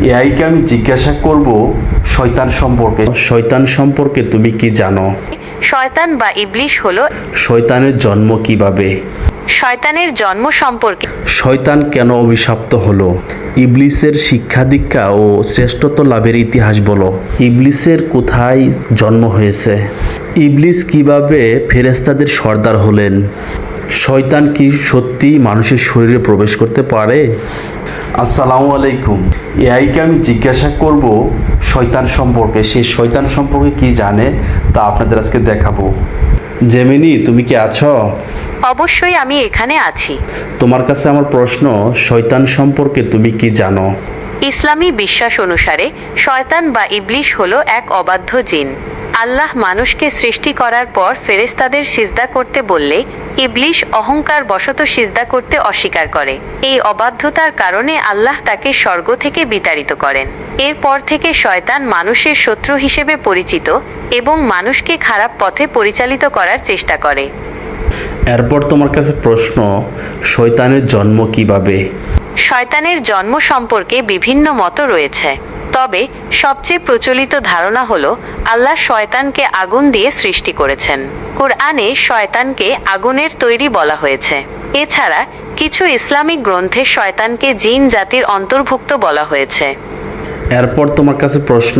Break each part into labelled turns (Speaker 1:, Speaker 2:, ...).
Speaker 1: এআইকে আমি জিজ্ঞাসা করব শয়তান সম্পর্কে তুমি কি জানো?
Speaker 2: শয়তান বা ইবলিশ হলো
Speaker 1: শয়তানের জন্ম কিভাবে?
Speaker 2: শয়তানের জন্ম সম্পর্কে
Speaker 1: শয়তান কেন অভিশপ্ত হলো? ইবলিসের শিক্ষা দীক্ষা ও শ্রেষ্ঠত্ব লাভের ইতিহাস বলো। ইবলিসের কোথায় জন্ম হয়েছে? ইবলিস কিভাবে ফেরেশতাদের সর্দার হলেন? শয়তান কি সত্যিই মানুষের শরীরে প্রবেশ করতে পারে? আসসালামু আলাইকুম। এআইকে আমি জিজ্ঞাসা করব শয়তান সম্পর্কে, সে শয়তান সম্পর্কে কি জানে তা আপনাদের আজকে দেখাবো। জেমিনি, তুমি কি আছো?
Speaker 2: অবশ্যই আমি এখানে আছি।
Speaker 1: তোমার কাছে আমার প্রশ্ন, শয়তান সম্পর্কে তুমি কি জানো?
Speaker 2: ইসলামী বিশ্বাস অনুসারে শয়তান বা ইবলিশ হলো এক অবাধ্য জিন। আল্লাহ মানুষকে সৃষ্টি করার পর ফেরেশতাদের সিজদা করতে বললে ইবলিশ অহংকার বশত সিজদা করতে অস্বীকার করে। এই অবাধ্যতার কারণে আল্লাহ তাকে স্বর্গ থেকে বিতাড়িত করেন। এরপর থেকে শয়তান মানুষের শত্রু হিসেবে পরিচিত এবং মানুষকে খারাপ পথে পরিচালিত করার চেষ্টা করে।
Speaker 1: এরপর তোমার কাছে প্রশ্ন, শয়তানের জন্ম কিভাবে?
Speaker 2: শয়তানের জন্ম সম্পর্কে বিভিন্ন মত রয়েছে, তবে সবচেয়ে প্রচলিত ধারণা হলো আল্লাহ শয়তানকে আগুন দিয়ে সৃষ্টি করেছেন। কুরআনে শয়তানকে আগুনের তৈরি বলা হয়েছে। এছাড়া কিছু ইসলামিক গ্রন্থে শয়তানকে জিন জাতির অন্তর্ভুক্ত বলা হয়েছে।
Speaker 1: এরপর তোমার কাছে প্রশ্ন,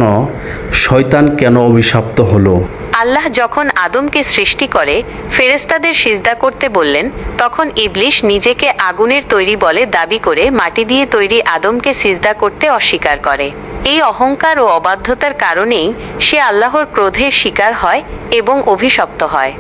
Speaker 1: শয়তান কেন অভিশপ্ত হলো?
Speaker 2: আল্লাহ যখন আদমকে সৃষ্টি করে ফেরেশতাদের সিজদা করতে বললেন, তখন ইবলিশ নিজেকে আগুনের তৈরি বলে দাবি করে মাটি দিয়ে তৈরি আদমকে সিজদা করতে অস্বীকার করে। এই অহংকার ও অবাধ্যতার কারণেই সে আল্লাহর ক্রোধের শিকার হয় এবং অভিশপ্ত হয়।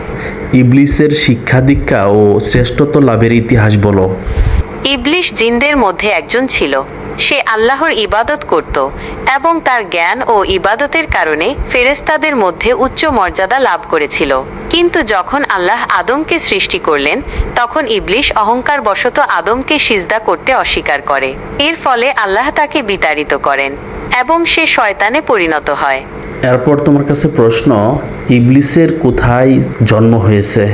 Speaker 1: ইবলিসের শিক্ষা দীক্ষা ও শ্রেষ্ঠত্ব লাভের ইতিহাস বলো।
Speaker 2: ইবলিশ জিনদের মধ্যে একজন ছিল। সে আল্লাহর ইবাদত করত এবং তার জ্ঞান ও ইবাদতের কারণে ফেরেশতাদের মধ্যে উচ্চ মর্যাদা লাভ করেছিল। কিন্তু যখন আল্লাহ আদমকে সৃষ্টি করলেন, তখন ইবলিশ অহংকার বশত আদমকে সিজদা করতে অস্বীকার করে। এর ফলে আল্লাহ তাকে বিতাড়িত করেন এবং সে শয়তানে পরিণত হয়।
Speaker 1: এরপর তোমার কাছে প্রশ্ন, ইবলিসের কোথায় জন্ম হয়েছে?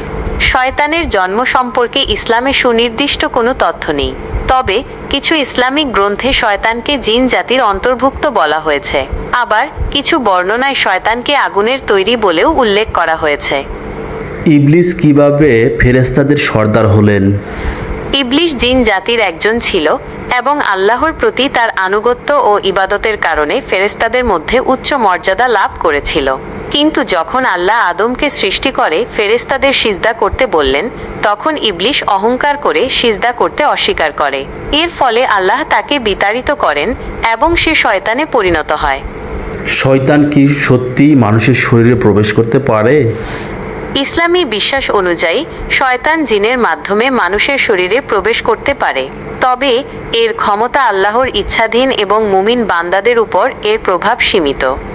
Speaker 2: শয়তানের জন্ম সম্পর্কে ইসলামে সুনির্দিষ্ট কোনো তথ্য নেই, তবে কিছু ইসলামিক গ্রন্থে শয়তানকে জিন জাতির অন্তর্ভুক্ত বলা হয়েছে। আবার কিছু বর্ণনায় শয়তানকে আগুনের তৈরি বলেও উল্লেখ করা হয়েছে।
Speaker 1: ইবলিস কিভাবে ফেরেশতাদের সর্দার হলেন?
Speaker 2: ইবলিশ জিন জাতির একজন ছিল এবং আল্লাহর প্রতি তার আনুগত্য ও ইবাদতের কারণে ফেরেশতাদের মধ্যে উচ্চ মর্যাদা লাভ করেছিল। কিন্তু যখন আল্লাহ আদমকে সৃষ্টি করে ফেরেশতাদের সিজদা করতে বললেন, তখন ইবলিশ অহংকার করে সিজদা করতে অস্বীকার করে। এর ফলে আল্লাহ তাকে বিতাড়িত করেন এবং সে শয়তানে পরিণত হয়।
Speaker 1: শয়তান কি সত্যিই মানুষের শরীরে প্রবেশ করতে পারে?
Speaker 2: ইসলামী বিশ্বাস অনুযায়ী শয়তান জিনের মাধ্যমে মানুষের শরীরে প্রবেশ করতে পারে, তবে এর ক্ষমতা আল্লাহর ইচ্ছাধীন এবং মুমিন বান্দাদের উপর এর প্রভাব সীমিত।